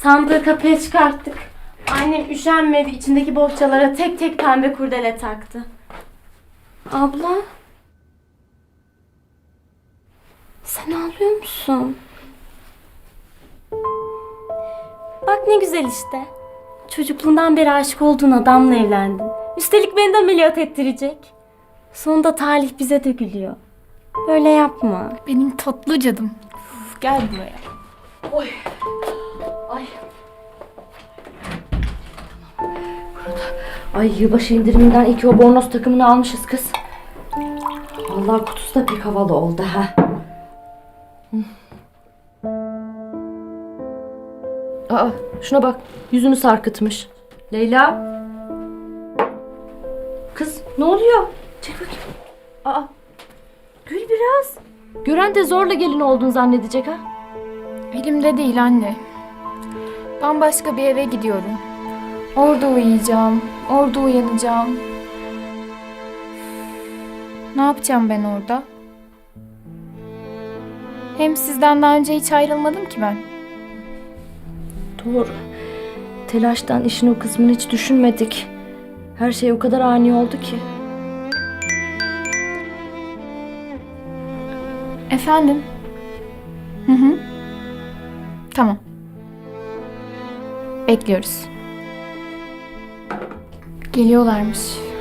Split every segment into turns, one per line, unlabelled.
Sandığı kapıya çıkarttık. Annem üşenmedi, içindeki bohçalara tek tek pembe kurdele taktı. Abla. Sen ağlıyor musun? Bak ne güzel işte. Çocukluğundan beri aşık olduğun adamla evlendin. Üstelik beni de ameliyat ettirecek. Sonunda talih bize de gülüyor. Böyle yapma.
Benim tatlı cadım. Gel buraya.
Oy. Ay. Ay yılbaşı indiriminden iki o bornoz takımını almışız kız. Vallahi kutusu da pek havalı oldu ha. Aa, şuna bak, yüzünü sarkıtmış. Leyla. Kız ne oluyor? Çek bakayım. Aa, gül biraz. Gören de zorla gelin olduğunu zannedecek ha.
Elimde değil anne. Bambaşka bir eve gidiyorum. Orada uyuyacağım. Orada uyanacağım. Ne yapacağım ben orada? Hem sizden daha önce hiç ayrılmadım ki ben.
Doğru. Telaştan işin o kısmını hiç düşünmedik. Her şey o kadar ani oldu ki.
Efendim? Hı. Tamam. Bekliyoruz. Geliyorlarmış.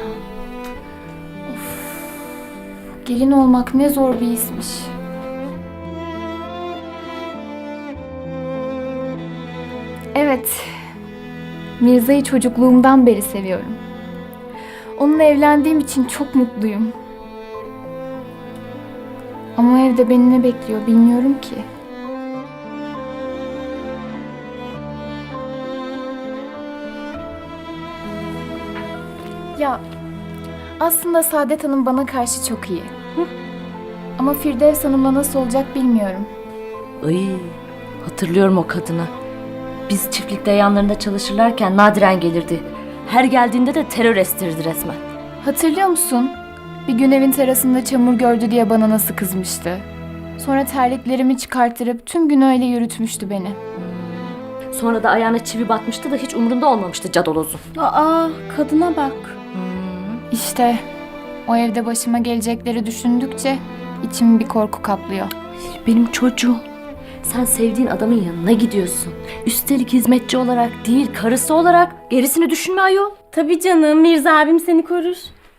Of. Gelin olmak ne zor bir işmiş. Evet. Mirza'yı çocukluğumdan beri seviyorum. Onunla evlendiğim için çok mutluyum. Ama o evde beni ne bekliyor bilmiyorum ki. Ya aslında Saadet Hanım bana karşı çok iyi. Ama Firdevs Hanım'la nasıl olacak bilmiyorum.
Ay, hatırlıyorum o kadını. Biz çiftlikte yanlarında çalışırlarken nadiren gelirdi. Her geldiğinde de terör estirdi resmen.
Hatırlıyor musun? Bir gün evin terasında çamur gördü diye bana nasıl kızmıştı. Sonra terliklerimi çıkarttırıp tüm gün öyle yürütmüştü beni.
Sonra da ayağına çivi batmıştı da hiç umurunda olmamıştı cadolozun. Aa, kadına bak.
İşte o evde başıma gelecekleri düşündükçe içimi bir korku kaplıyor.
Benim çocuğum. Sen sevdiğin adamın yanına gidiyorsun. Üstelik hizmetçi olarak değil, karısı olarak. Gerisini düşünme ayol. Tabii canım, Mirza abim seni korur.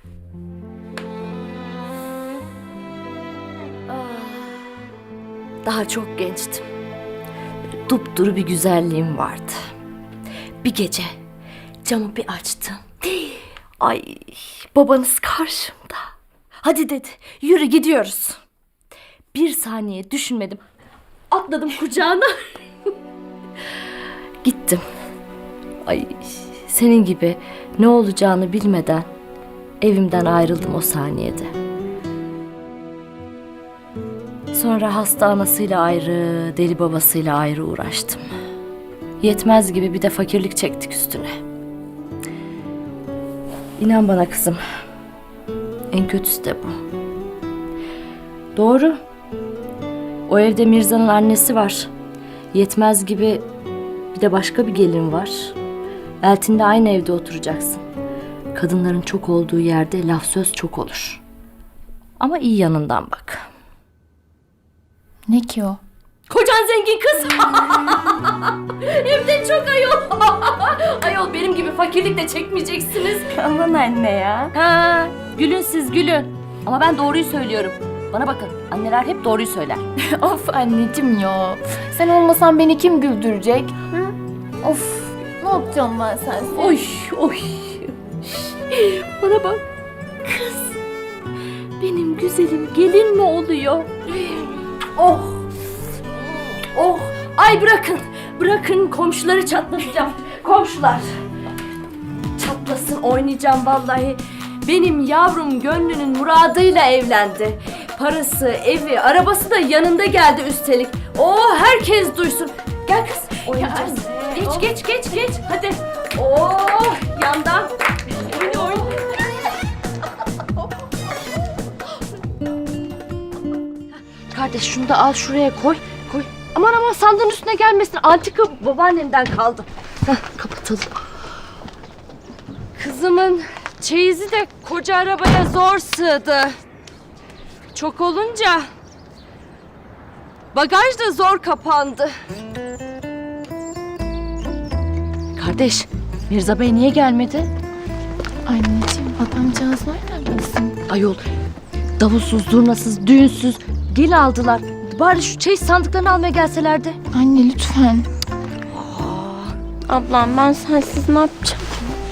Daha çok gençtim. Dupduru bir güzelliğim vardı. Bir gece camı bir açtım. Ay, babanız karşımda. Hadi dedi, yürü gidiyoruz. Bir saniye düşünmedim. Atladım kucağına. Gittim. Ay, senin gibi ne olacağını bilmeden evimden ayrıldım o saniyede. Sonra hasta anasıyla ayrı, deli babasıyla ayrı uğraştım. Yetmez gibi bir de fakirlik çektik üstüne. İnan bana kızım, en kötüsü de bu. Doğru. O evde Mirza'nın annesi var. Yetmez gibi bir de başka bir gelin var. Eltin'le aynı evde oturacaksın. Kadınların çok olduğu yerde laf söz çok olur. Ama iyi yanından bak.
Ne ki o?
Kocan zengin kız. Hem de çok ayol. Ayol benim gibi fakirlik de çekmeyeceksiniz. Aman anne ya. Ha, gülün siz gülün. Ama ben doğruyu söylüyorum. Bana bakın, anneler hep doğruyu söyler.
Of anneciğim ya. Sen olmasan beni kim güldürecek? Hı? Of, ne yapacağım ben sensiz?
Oy oy. Bana bak. Kız. Benim güzelim gelin mi oluyor? Oh. Oh. Ay bırakın. Bırakın komşuları çatlatacağım. Komşular. Çatlasın, oynayacağım vallahi. Benim yavrum gönlünün muradıyla evlendi. Parası, evi, arabası da yanında geldi üstelik. Oh, herkes duysun. Gel kız, oynayacağız. Geç. Hadi. Oh, yandan. Oyna. Kardeş şunu da al şuraya koy. Aman aman sandığın üstüne gelmesin. Antika babaannemden kaldı. Heh, kapatalım. Kızımın çeyizi de koca arabaya zor sığdı. Çok olunca bagaj da zor kapandı. Kardeş, Mirza Bey niye gelmedi?
Anneciğim adamcağız nereden bilsin?
Ayol, davulsuz, zurnasız, düğünsüz gel aldılar. Bari şu çeyiz sandıklarını almaya gelselerdi.
Anne lütfen.
Ablam ben sensiz ne yapacağım?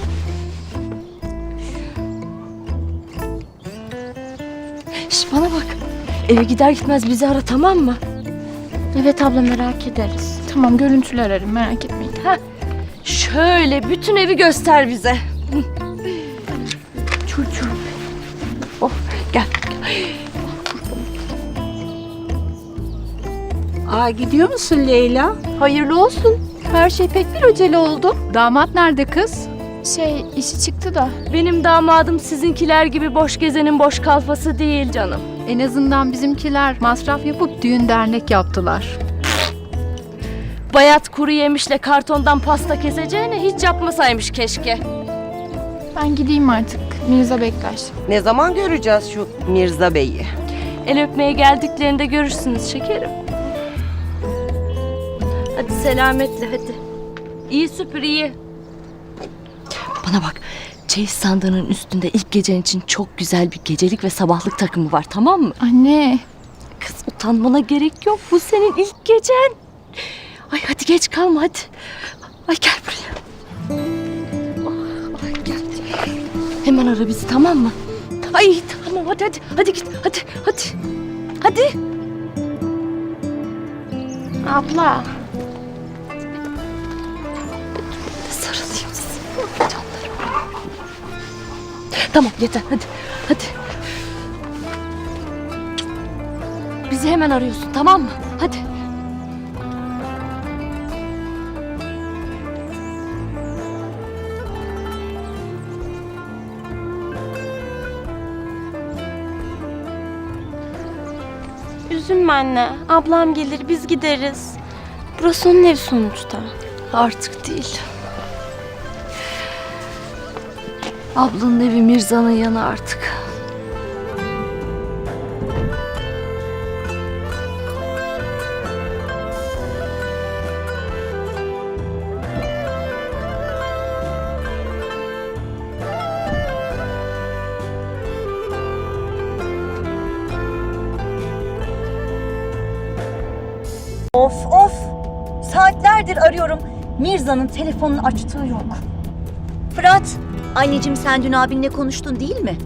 Şş, bana bak. Eve gider gitmez bizi ara, tamam mı?
Evet abla merak ederiz.
Tamam görüntülü ararım merak etmeyin.
Şöyle bütün evi göster bize. Çocuğum. Oh, gel.
Aa, gidiyor musun Leyla?
Hayırlı olsun. Her şey pek bir acele oldu.
Damat nerede kız?
İşi çıktı da.
Benim damadım sizinkiler gibi boş gezenin boş kalfası değil canım.
En azından bizimkiler masraf yapıp düğün dernek yaptılar.
Bayat kuru yemişle kartondan pasta keseceğine hiç yapmasaymış keşke.
Ben gideyim artık. Mirza bekler.
Ne zaman göreceğiz şu Mirza Bey'i?
El öpmeye geldiklerinde görürsünüz şekerim. Hadi selametle hadi. İyi süpür iyi. Bana bak, çeyiz sandığının üstünde ilk gecen için çok güzel bir gecelik ve sabahlık takımı var, tamam mı?
Anne.
Kız utanmana gerek yok, bu senin ilk gecen. Ay hadi geç kalma hadi. Ay gel buraya. Oh, ay gel. Hemen ara bizi, tamam mı? Ay tamam hadi git hadi. Hadi.
Abla.
Sarılayım size. Canlarım. Tamam yeter hadi. Bizi hemen arıyorsun, tamam mı? Hadi.
Üzülme anne. Ablam gelir biz gideriz. Burası onun evi sonuçta.
Artık değil. Ablanın evi Mirza'nın yanı artık.
Of! Saatlerdir arıyorum. Mirza'nın telefonunu açtığı yok. Fırat, anneciğim sen dün abinle konuştun değil mi?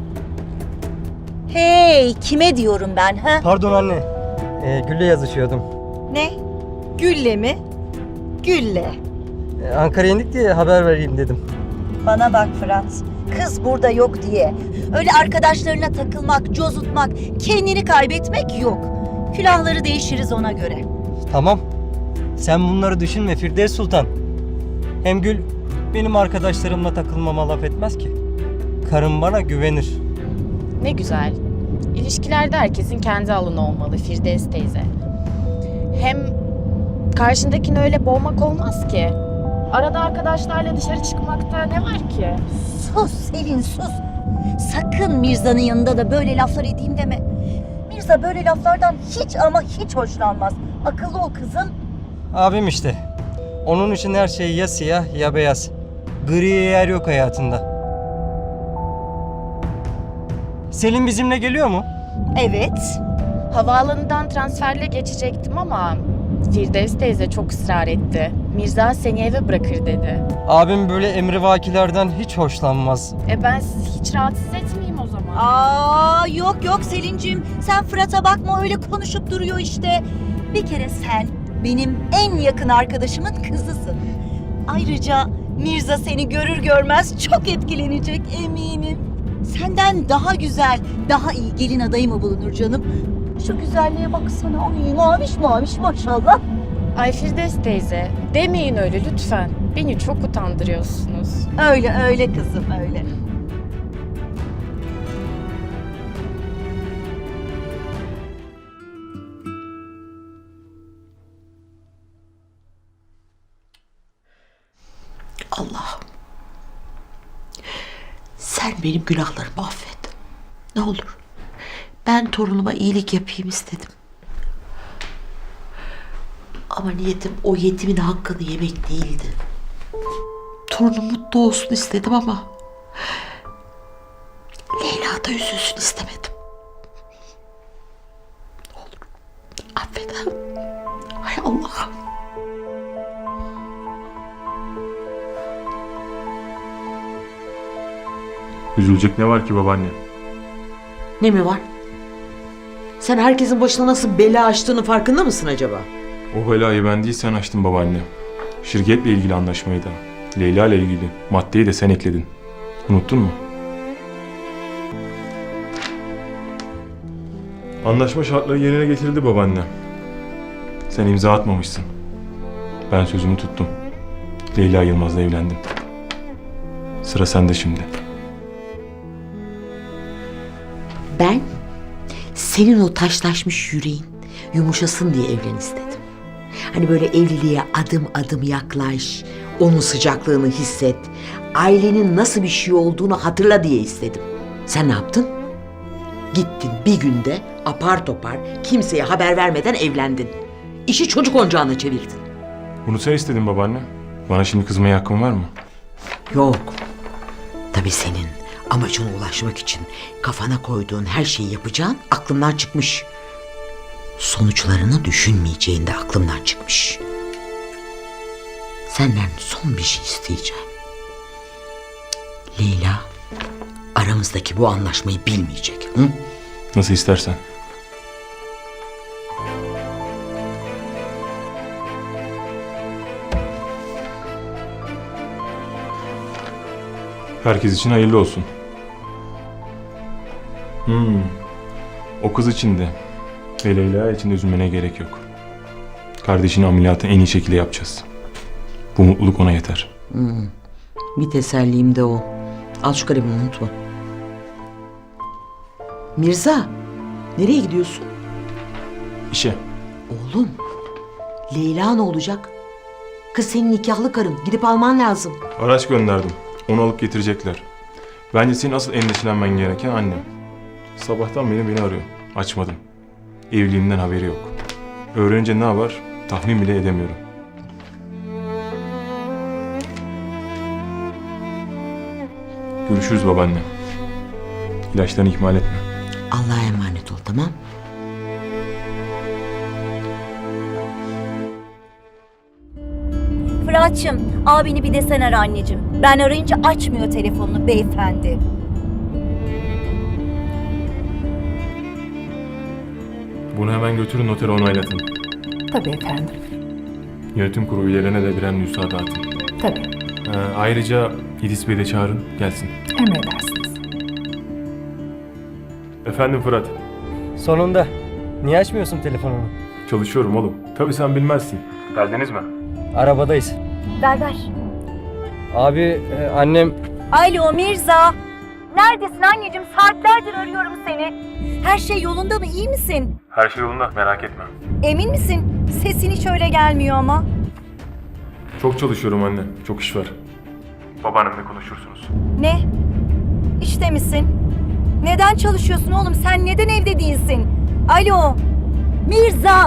Hey, kime diyorum ben ha?
Pardon anne. Gül'le yazışıyordum.
Ne? Gülle mi? Gülle.
Ankara'ya indik diye haber vereyim dedim.
Bana bak Fırat, kız burada yok diye. Öyle arkadaşlarına takılmak, cozutmak, kendini kaybetmek yok. Külahları değişiriz ona göre.
Tamam. Sen bunları düşünme Firdevs Sultan. Hem Gül benim arkadaşlarımla takılmama laf etmez ki. Karım bana güvenir.
Ne güzel. İlişkilerde herkesin kendi alanı olmalı Firdevs teyze. Hem karşındakini öyle boğmak olmaz ki. Arada arkadaşlarla dışarı çıkmakta ne var ki?
Sus Selin sus. Sakın Mirza'nın yanında da böyle laflar edeyim deme. Mirza böyle laflardan hiç ama hiç hoşlanmaz. Akıllı ol kızım.
Abim işte. Onun için her şey ya siyah ya beyaz. Griye yer yok hayatında. Selim bizimle geliyor mu?
Evet.
Havaalanından transferle geçecektim ama Firdevs teyze çok ısrar etti. Mirza seni eve bırakır dedi.
Abim böyle emrivakilerden hiç hoşlanmaz.
Ben sizi hiç rahatsız etmeyeyim o zaman.
Aa yok Selin'cim. Sen Fırat'a bakma öyle konuşup duruyor işte. Bir kere sen benim en yakın arkadaşımın kızısın. Ayrıca Mirza seni görür görmez çok etkilenecek eminim. Senden daha güzel, daha iyi gelin adayı mı bulunur canım? Şu güzelliğe baksana. Ay maviş maşallah.
Ay Firdevs teyze demeyin öyle lütfen. Beni çok utandırıyorsunuz.
Öyle kızım öyle.
Allah'ım. Sen benim günahlarımı affet. Ne olur. Ben torunuma iyilik yapayım istedim. Ama niyetim o yetimin hakkını yemek değildi. Torunum mutlu olsun istedim ama Leyla da üzülsün istemedim. Ne olur affet. Hay Allah'ım.
Üzülecek ne var ki babaanne?
Ne mi var? Sen herkesin başına nasıl bela açtığının farkında mısın acaba?
O belayı ben değil sen açtın babaanne. Şirketle ilgili anlaşmayı da, Leyla ile ilgili maddeyi de sen ekledin. Unuttun mu? Anlaşma şartları yerine getirildi babaanne. Sen imza atmamışsın. Ben sözümü tuttum. Leyla Yılmaz'la evlendim. Sıra sende şimdi.
Ben senin o taşlaşmış yüreğin yumuşasın diye evlen istedim. Hani böyle evliliğe adım adım yaklaş, onun sıcaklığını hisset, ailenin nasıl bir şey olduğunu hatırla diye istedim. Sen ne yaptın? Gittin bir günde apar topar kimseye haber vermeden evlendin. İşi çocuk oyuncağına çevirdin.
Bunu sen istedin babaanne. Bana şimdi kızmaya hakkın var mı?
Yok. Tabii senin amacına ulaşmak için kafana koyduğun her şeyi yapacağın aklımdan çıkmış. Sonuçlarını düşünmeyeceğin de aklımdan çıkmış. Senden son bir şey isteyeceğim. Leyla aramızdaki bu anlaşmayı bilmeyecek. Hı?
Nasıl istersen. Herkes için hayırlı olsun. O kız için de ve Leyla için de üzülmene gerek yok. Kardeşinin ameliyatını en iyi şekilde yapacağız. Bu mutluluk ona yeter.
Bir tesellim de o. Al şu kalemini unutma. Mirza, nereye gidiyorsun?
İşe.
Oğlum, Leyla ne olacak? Kız senin nikahlı karın. Gidip alman lazım.
Araç gönderdim. Onu alıp getirecekler. Bence senin asıl endişelenmen gereken annem. Sabahtan beri beni arıyor. Açmadım. Evliliğimden haberi yok. Öğrenince ne yapar tahmin bile edemiyorum. Görüşürüz babaanne. İlaçlarını ihmal etme.
Allah'a emanet ol, tamam?
Fırat'cığım, abini bir de sen ara anneciğim. Ben arayınca açmıyor telefonunu beyefendi.
Bunu hemen götürün notere onaylatın.
Tabii efendim.
Yönetim kurulu üyelerine de birer nüsha dağıtın.
Tabii.
Ayrıca İdris Bey'i de çağırın gelsin.
Emredersiniz.
Efendim Fırat.
Sonunda. Niye açmıyorsun telefonunu?
Çalışıyorum oğlum. Tabii sen bilmezsin. Geldiniz mi?
Arabadayız.
Ver.
Abi annem...
Alo Mirza. Neredesin anneciğim? Saatlerdir arıyorum seni. Her şey yolunda mı? İyi misin?
Her şey yolunda merak etme.
Emin misin? Sesin hiç öyle gelmiyor ama.
Çok çalışıyorum anne. Çok iş var. Babaannemle konuşursunuz.
Ne? İşte misin? Neden çalışıyorsun oğlum? Sen neden evde değilsin? Alo. Mirza.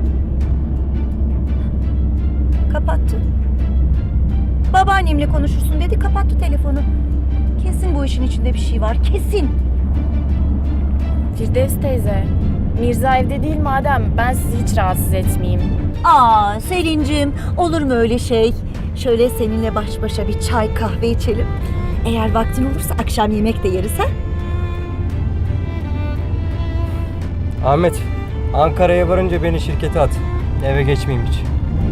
Kapattı. Babaannemle konuşursun dedi, kapattı telefonu. Kesin bu işin içinde bir şey var, kesin.
Firdevs teyze, Mirza evde değil madem ben sizi hiç rahatsız etmeyeyim.
Aa Selin'cim, olur mu öyle şey? Şöyle seninle baş başa bir çay kahve içelim. Eğer vaktin olursa akşam yemek de yeriz ha?
Ahmet, Ankara'ya varınca beni şirkete at. Eve geçmeyeyim hiç.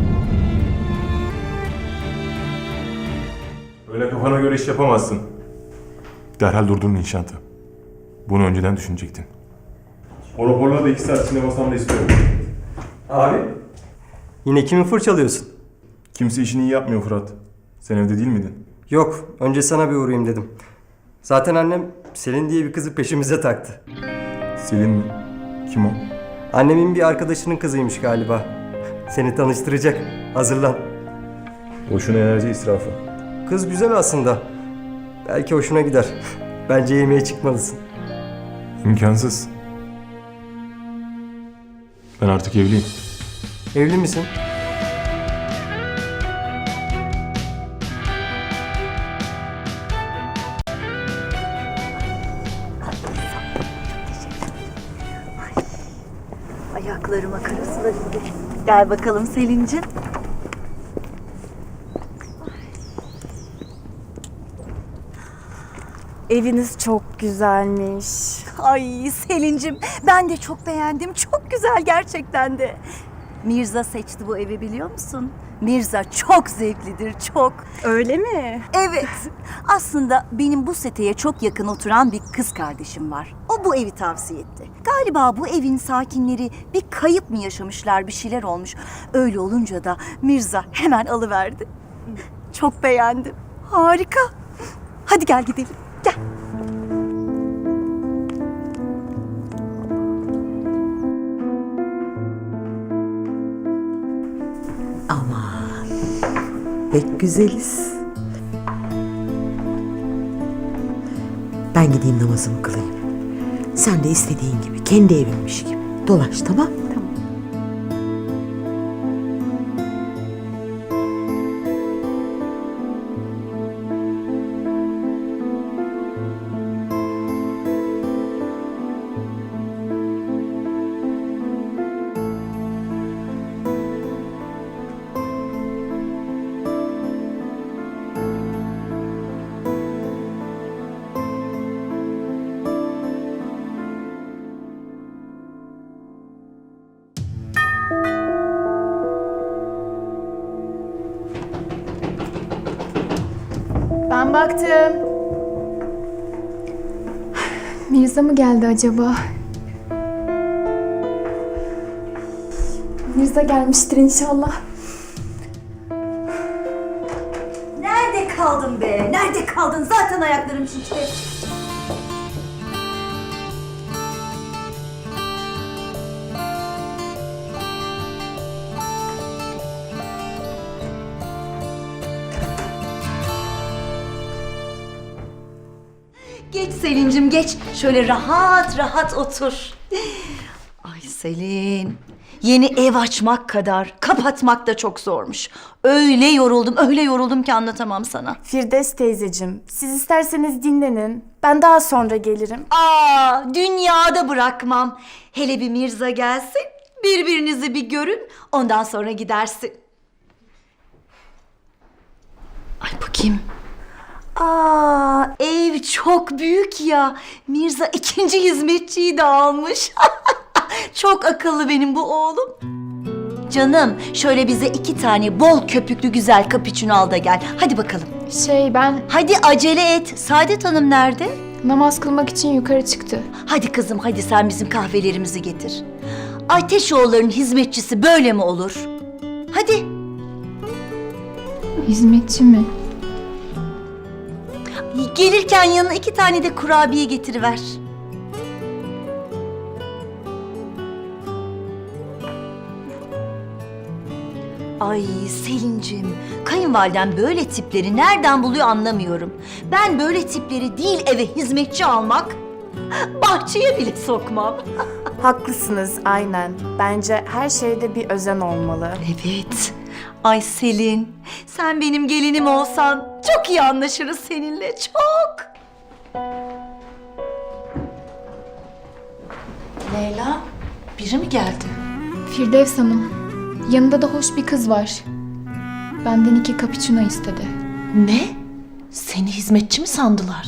Öyle kafana göre iş yapamazsın. Derhal durdurun inşaatı. Bunu önceden düşünecektin. O raporları da 2 saat içinde masamda istiyorum.
Abi? Yine kimi fırçalıyorsun?
Kimse işini iyi yapmıyor Fırat. Sen evde değil miydin?
Yok, önce sana bir uğrayayım dedim. Zaten annem Selin diye bir kızı peşimize taktı.
Selin mi? Kim o?
Annemin bir arkadaşının kızıymış galiba. Seni tanıştıracak. Hazırlan.
Boşuna enerji israfı.
Kız güzel aslında. Belki hoşuna gider. Bence yemeğe çıkmalısın.
İmkansız. Ben artık evliyim.
Evli misin?
Ayaklarıma karasular indi. Gel bakalım Selin'cim.
Eviniz çok güzelmiş.
Ay Selin'cim ben de çok beğendim. Çok güzel gerçekten de. Mirza seçti bu evi biliyor musun? Mirza çok zevklidir, çok.
Öyle mi?
Evet. Aslında benim bu seteye çok yakın oturan bir kız kardeşim var. O bu evi tavsiye etti. Galiba bu evin sakinleri bir kayıp mı yaşamışlar, bir şeyler olmuş. Öyle olunca da Mirza hemen alıverdi. Çok beğendim. Harika. Hadi gel gidelim. Gel.
Aman pek güzeliz. Ben gideyim namazımı kılayım. Sen de istediğin gibi kendi evinmiş gibi dolaş, tamam? Tamam.
Ben baktım. Mirza mı geldi acaba? Mirza gelmiştir inşallah.
Nerede kaldın be? Nerede kaldın? Zaten ayaklarım şişti. Geç Selin'cim geç. Şöyle rahat rahat otur. Ay Selin. Yeni ev açmak kadar kapatmak da çok zormuş. Öyle yoruldum ki anlatamam sana.
Firdevs teyzeciğim, siz isterseniz dinlenin. Ben daha sonra gelirim.
Dünyada bırakmam. Hele bir Mirza gelsin, birbirinizi bir görün, ondan sonra gidersin. Ay bakayım. Ev çok büyük ya. Mirza ikinci hizmetçiyi de almış. Çok akıllı benim bu oğlum. Canım, şöyle bize 2 tane bol köpüklü güzel cappuccino al da gel. Hadi bakalım.
Ben
Hadi acele et. Saadet Hanım nerede?
namaz kılmak için yukarı çıktı.
Hadi kızım, hadi sen bizim kahvelerimizi getir. Ateşoğulları'nın hizmetçisi böyle mi olur? Hadi.
Hizmetçi mi?
Gelirken yanına 2 tane de kurabiye getiriver. Ay Selin'cim, kayınvaliden böyle tipleri nereden buluyor anlamıyorum. Ben böyle tipleri değil eve hizmetçi almak, bahçeye bile sokmam.
Haklısınız, aynen. Bence her şeyde bir özen olmalı.
Evet. Ay Selin, sen benim gelinim olsan çok iyi anlaşırız seninle, çok.
Leyla, biri mi geldi?
Firdevs Hanım. Yanında da hoş bir kız var. Benden 2 cappuccino istedi.
Ne? Seni hizmetçi mi sandılar?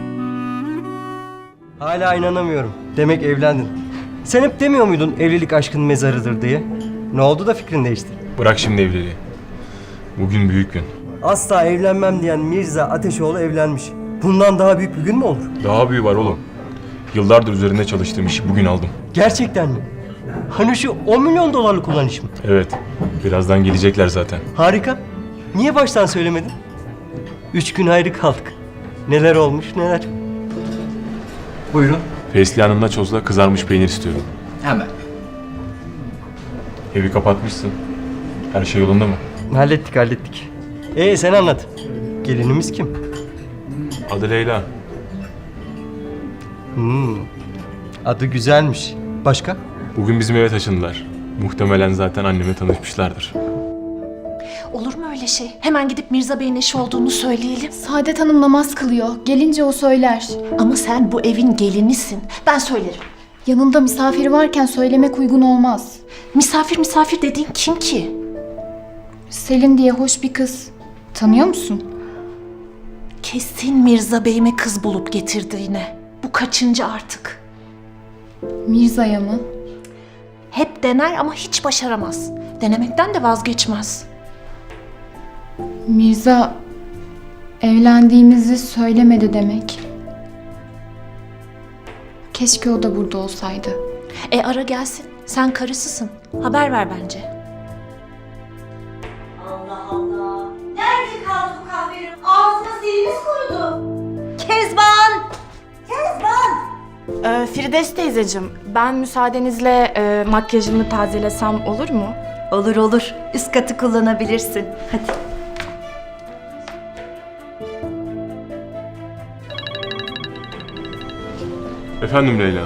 Hala inanamıyorum. Demek evlendin. Sen hep demiyor muydun evlilik aşkın mezarıdır diye? Ne oldu da fikrin değişti?
Bırak şimdi evliliği. Bugün büyük gün.
Asla evlenmem diyen Mirza Ateşoğlu evlenmiş. Bundan daha büyük bir gün mü olur?
Daha büyüğü var oğlum. Yıllardır üzerinde çalıştığım işi bugün aldım.
Gerçekten mi? Hani şu 10 milyon dolarlık olan iş mi?
Evet, birazdan gelecekler zaten.
Harika. Niye baştan söylemedin? 3 gün ayrı kaldık. Neler olmuş neler. Buyurun.
Fesli Hanım'la çozla kızarmış peynir istiyorum.
Hemen.
Evi kapatmışsın. Her şey yolunda mı?
Hallettik. Sen anlat. Gelinimiz kim?
Adı Leyla.
Adı güzelmiş. Başka?
Bugün bizim eve taşındılar. Muhtemelen zaten annemle tanışmışlardır.
Olur mu öyle şey? Hemen gidip Mirza Bey'in eşi olduğunu söyleyelim.
Saadet Hanım namaz kılıyor. Gelince o söyler.
Ama sen bu evin gelinisin. Ben söylerim.
Yanında misafiri varken söylemek uygun olmaz.
Misafir dediğin kim ki?
Selin diye hoş bir kız. Tanıyor musun?
Kesin Mirza Bey'ime kız bulup getirdi yine. Bu kaçıncı artık?
Mirza'ya mı?
Hep dener ama hiç başaramaz. Denemekten de vazgeçmez.
Mirza evlendiğimizi söylemedi demek. Keşke o da burada olsaydı.
Ara gelsin. Sen karısısın. Haber ver bence.
Allah Allah. Nerede kaldı bu kahvenin? Ağzına dilimiz kurudu. Kezban! Kezban!
Firdevs teyzeciğim, ben müsaadenizle makyajımı tazelesem olur mu?
Olur olur. Üst katı kullanabilirsin. Hadi.
Efendim Leyla.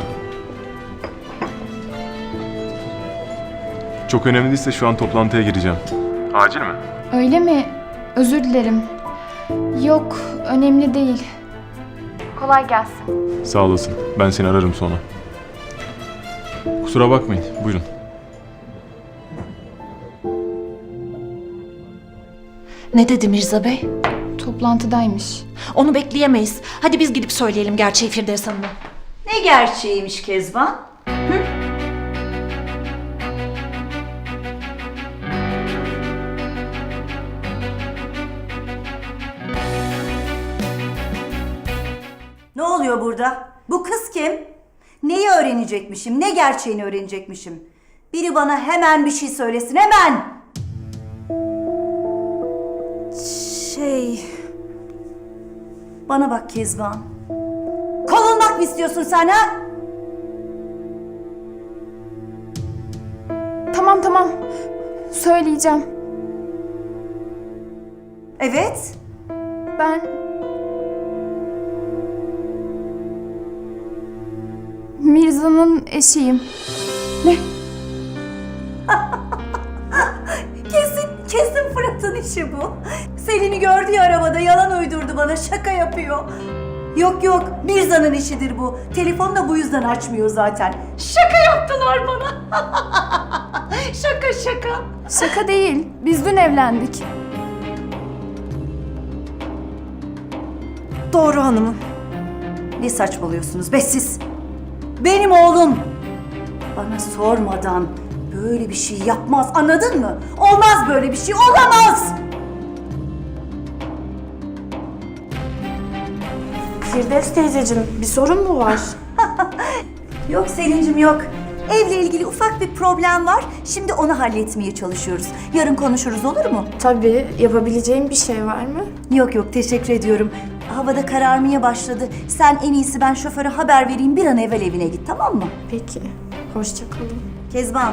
Çok önemli değilse şu an toplantıya gireceğim. Acil mi?
Öyle mi? Özür dilerim. Yok, önemli değil. Kolay gelsin.
Sağ olasın. Ben seni ararım sonra. Kusura bakmayın. Buyurun.
Ne dedi Mirza Bey?
Toplantıdaymış.
Onu bekleyemeyiz. Hadi biz gidip söyleyelim gerçeği Firdevs Hanım'a.
Ne gerçeğiymiş Kezban? Ne oluyor burada? Bu kız kim? Neyi öğrenecekmişim? Ne gerçeğini öğrenecekmişim? Biri bana hemen bir şey söylesin, hemen! Bana bak Kezban. Kovulmak mı istiyorsun sen ha?
Tamam. Söyleyeceğim.
Evet.
Ben Mirza'nın eşiyim.
Kesin Fırat'ın işi bu. Selin'i gördü ya arabada, yalan uydurdu bana, şaka yapıyor. Yok, Mirza'nın işidir bu. Telefonu da bu yüzden açmıyor zaten. Şaka yaptılar bana. Şaka.
Şaka değil. Biz dün evlendik.
Doğru hanımım. Ne saçmalıyorsunuz be siz? Benim oğlum bana sormadan böyle bir şey yapmaz, anladın mı? Olmaz böyle bir şey, olamaz!
Firdevs teyzeciğim, bir sorun mu var?
Yok Selin'cim yok. Evle ilgili ufak bir problem var. Şimdi onu halletmeye çalışıyoruz. Yarın konuşuruz, olur mu?
Tabii, yapabileceğim bir şey var mı?
Yok teşekkür ediyorum. Havada kararmaya başladı. Sen en iyisi ben şoföre haber vereyim, bir an evvel evine git, tamam mı?
Peki, hoşça kalın.
Kezban.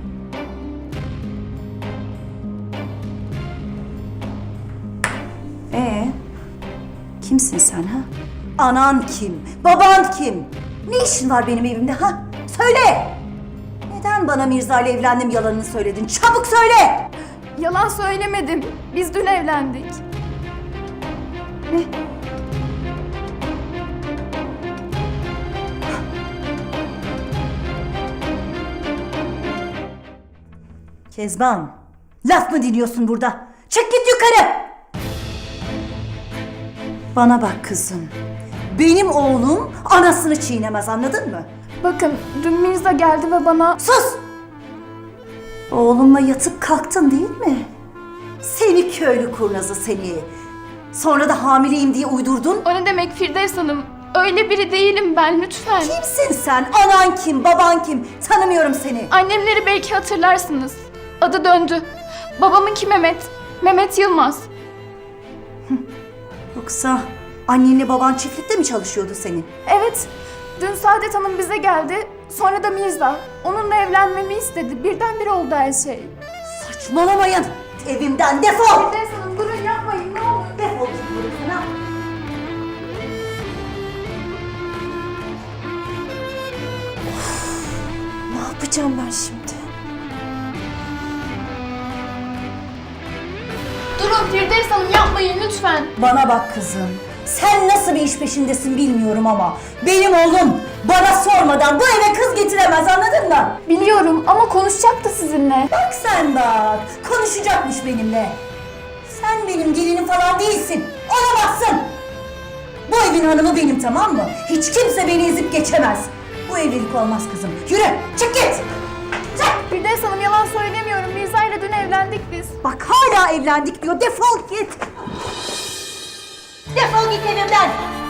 Kimsin sen ha? Anan kim? Baban kim? Ne işin var benim evimde ha? Söyle! Neden bana Mirza ile evlendim yalanını söyledin? Çabuk söyle!
Yalan söylemedim. Biz dün evlendik.
Ne? Kezban, laf mı dinliyorsun burada? Çık git yukarı! Bana bak kızım. Benim oğlum anasını çiğnemez, anladın mı?
Bakın dün Mirza geldi ve bana...
Sus! Oğlumla yatıp kalktın değil mi? Seni köylü kurnazı seni. Sonra da hamileyim diye uydurdun.
O ne demek Firdevs Hanım? Öyle biri değilim ben, lütfen.
Kimsin sen? Anan kim? Baban kim? Tanımıyorum seni.
Annemleri belki hatırlarsınız. Adı döndü. Babamınki Mehmet. Mehmet Yılmaz.
Yoksa annenle baban çiftlikte mi çalışıyordu senin?
Evet. Dün Saadet Hanım bize geldi. Sonra da Mirza. Onunla evlenmemi istedi. Birdenbire oldu her şey.
Saçmalamayın. Evimden defol.
Firdevs Hanım durun yapmayın ne olur.
Defol git bana.
Ne yapacağım ben şimdi?
Durun Firdevs Hanım, yapmayın lütfen.
Bana bak kızım. Sen nasıl bir iş peşindesin bilmiyorum ama benim oğlum bana sormadan bu eve kız getiremez, anladın mı?
Biliyorum ama konuşacaktı sizinle.
Bak sen bak, konuşacakmış benimle. Sen benim gelinim falan değilsin, olamazsın. Bu evin hanımı benim, tamam mı? Hiç kimse beni ezip geçemez. Bu evlilik olmaz kızım. Yürü, çık git. Çık.
Firdevs Hanım, yalan söylemiyorum. Mirza ile dün evlendik biz.
Bak hala evlendik diyor, defol git. Defol git evimden.